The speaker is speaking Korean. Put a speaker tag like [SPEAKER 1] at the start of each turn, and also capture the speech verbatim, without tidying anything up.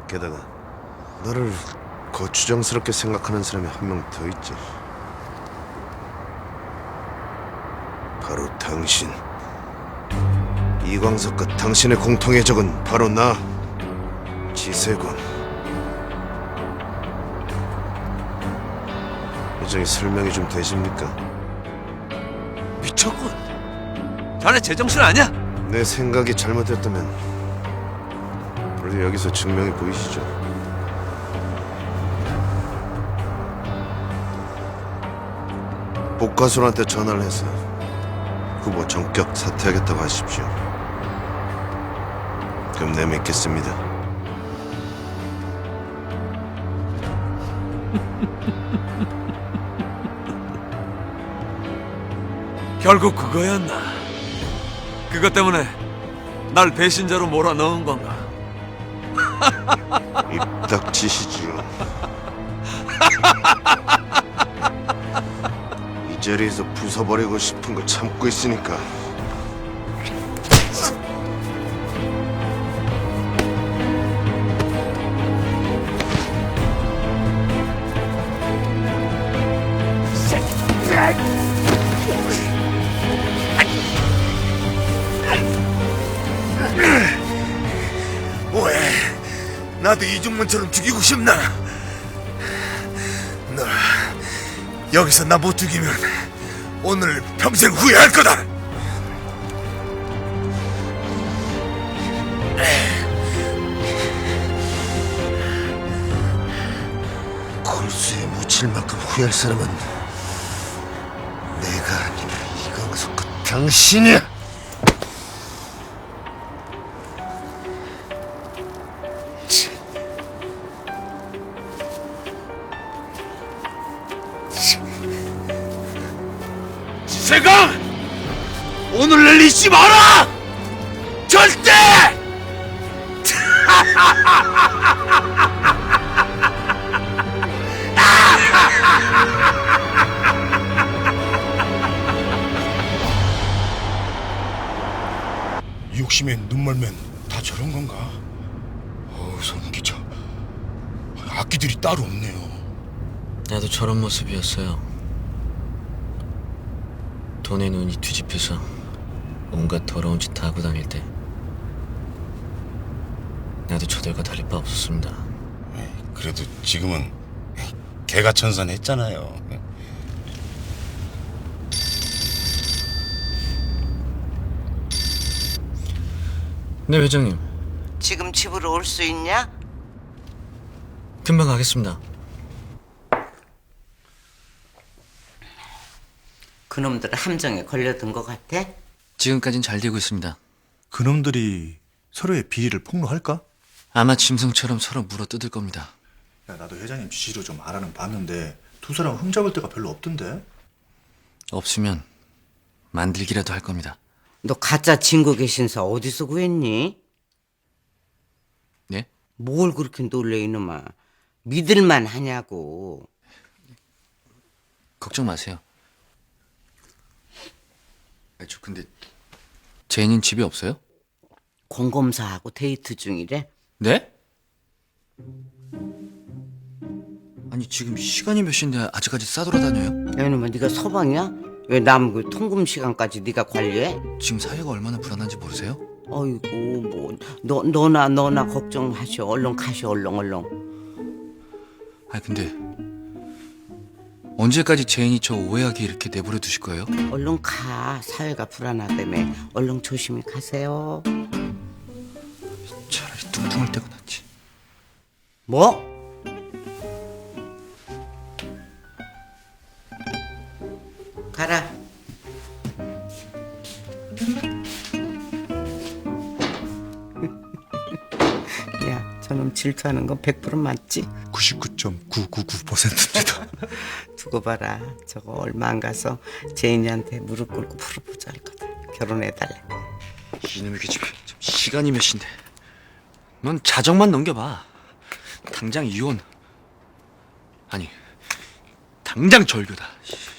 [SPEAKER 1] 게다가 너를 거추장스럽게 생각하는 사람이 한 명 더 있지. 바로 당신. 이광석과 당신의 공통의 적은 바로 나, 지세군. 회장이 설명이 좀 되십니까?
[SPEAKER 2] 미쳤군. 자네 제정신 아니야?
[SPEAKER 1] 내 생각이 잘못됐다면 우리 여기서 증명이 보이시죠? 복가순한테 전화를 해서 후보 전격 사퇴하겠다고 하십시오. 그럼 내 믿겠습니다.
[SPEAKER 2] 결국 그거였나? 그것 때문에 날 배신자로 몰아넣은 건가?
[SPEAKER 1] 입 닥치시지요. 이 자리에서 부숴버리고 싶은 걸 참고 있으니까.
[SPEAKER 3] 뭐해? 나도 이중문처럼 죽이고 싶나? 너 여기서 나 못 죽이면 오늘 평생 후회할 거다.
[SPEAKER 1] 골수에 묻힐 만큼 후회할 사람은 내가 아니라 이광석과 당신이야.
[SPEAKER 3] 지세강! 오늘 날 잊지 마라! 절대! 욕심에 눈멀면 다 저런 건가? 어우, 소름 끼쳐. 악기들이 따로 없네요.
[SPEAKER 4] 나도 저런 모습이었어요. 돈에 눈이 뒤집혀서 온갖 더러운 짓 다 하고 다닐 때 나도 저들과 다를 바 없었습니다.
[SPEAKER 3] 그래도 지금은 개가천선했잖아요.
[SPEAKER 4] 네, 회장님.
[SPEAKER 5] 지금 집으로 올 수 있냐?
[SPEAKER 4] 금방 가겠습니다.
[SPEAKER 5] 그놈들 함정에 걸려든 것 같아?
[SPEAKER 4] 지금까진 잘 되고 있습니다.
[SPEAKER 6] 그놈들이 서로의 비리를 폭로할까?
[SPEAKER 4] 아마 짐승처럼 서로 물어뜯을 겁니다.
[SPEAKER 6] 야, 나도 회장님 지시로 좀 알아는 봤는데 두 사람 흠잡을 데가 별로 없던데?
[SPEAKER 4] 없으면 만들기라도 할 겁니다.
[SPEAKER 5] 너 가짜 증거 계신서 어디서 구했니?
[SPEAKER 4] 네?
[SPEAKER 5] 뭘 그렇게 놀래 이놈아. 믿을만 하냐고.
[SPEAKER 4] 걱정 마세요. 아, 저 근데 제인인 집에 없어요?
[SPEAKER 5] 공검사하고 데이트 중이래.
[SPEAKER 4] 네? 아니 지금 시간이 몇 시인데 아직까지 싸돌아다녀요?
[SPEAKER 5] 야 이놈아, 네가 서방이야? 왜 남 그 통금 시간까지 네가 관리해?
[SPEAKER 4] 지금 사회가 얼마나 불안한지 모르세요?
[SPEAKER 5] 어이구 뭐 너, 너나 너나 걱정하셔. 얼른 가셔 얼른 얼른.
[SPEAKER 4] 아니 근데 언제까지 제인이 저 오해하게 이렇게 내버려 두실 거예요?
[SPEAKER 5] 얼른 가. 사회가 불안하다며. 얼른 조심히 가세요.
[SPEAKER 4] 차라리 뚱뚱할 때가 낫지.
[SPEAKER 5] 뭐? 가라. 야, 저놈 질투하는 건 백 퍼센트 맞지?
[SPEAKER 6] 구십구 점 구구구 퍼센트입니다.
[SPEAKER 5] 두고 봐라. 저거 얼마 안 가서 제인이한테 무릎 꿇고 프로포즈 할 거다. 결혼해달래.
[SPEAKER 4] 이놈의 계집 참 시간이 몇 시인데 넌 자정만 넘겨봐. 당장 이혼. 아니 당장 절교다.